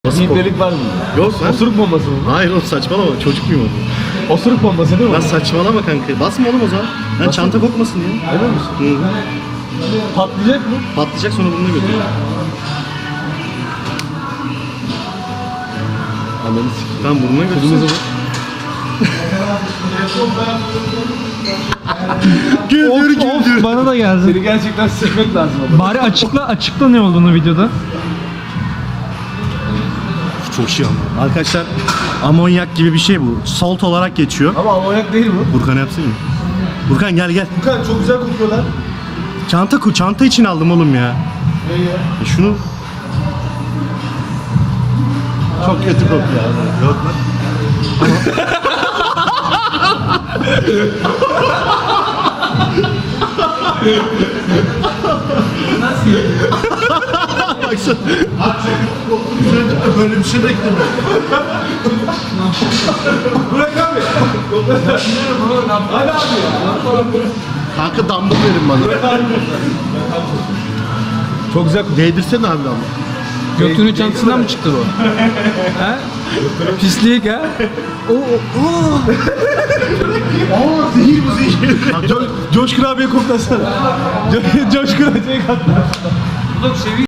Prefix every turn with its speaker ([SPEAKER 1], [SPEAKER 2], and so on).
[SPEAKER 1] Bir delik var mı?
[SPEAKER 2] Yok lan.
[SPEAKER 1] Osuruk bombası mı?
[SPEAKER 2] Hayır oğlum saçmalama, çocuk muyum oğlum?
[SPEAKER 1] Osuruk bombası değil mi?
[SPEAKER 2] Lan saçmalama kanka. Basma oğlum o zaman. Lan çanta kokmasın diye.
[SPEAKER 1] Emin misin?
[SPEAKER 2] Hı.
[SPEAKER 1] Patlayacak mı?
[SPEAKER 2] Patlayacak sonra burnuna götür.
[SPEAKER 1] Ananı sikeyim.
[SPEAKER 2] Tamam burnuna götür.
[SPEAKER 1] Kırmızı mı?
[SPEAKER 2] Güldür güldür.
[SPEAKER 3] Bana da geldi.
[SPEAKER 1] Seni gerçekten sikmek lazım ama.
[SPEAKER 3] Bari açıkla ne olduğunu videoda.
[SPEAKER 2] Çok şey ama. Arkadaşlar amonyak gibi bir şey bu. Salt olarak geçiyor.
[SPEAKER 1] Ama amonyak değil bu.
[SPEAKER 2] Burkan yapsın mı? Burkan gel gel.
[SPEAKER 1] Furkan çok güzel kokuyorlar.
[SPEAKER 2] Çanta için aldım oğlum ya.
[SPEAKER 1] Ne ya?
[SPEAKER 2] Şunu
[SPEAKER 1] Çok kötü kokuyor.
[SPEAKER 2] yok lan. Baksana. Böyle bir şey beklemedim.
[SPEAKER 1] Bırak abi. Hadi abi ya.
[SPEAKER 2] Kanka dumbbell verin bana.
[SPEAKER 1] Çok güzel kokuyor.
[SPEAKER 2] Değdirsene abi ama.
[SPEAKER 3] Götünün çantasından mı çıktı bu? He? Pislik ha?
[SPEAKER 2] Aa zehir bu zehir.
[SPEAKER 1] Coşkun abiye koklasana. Coşkun abiye koklasana.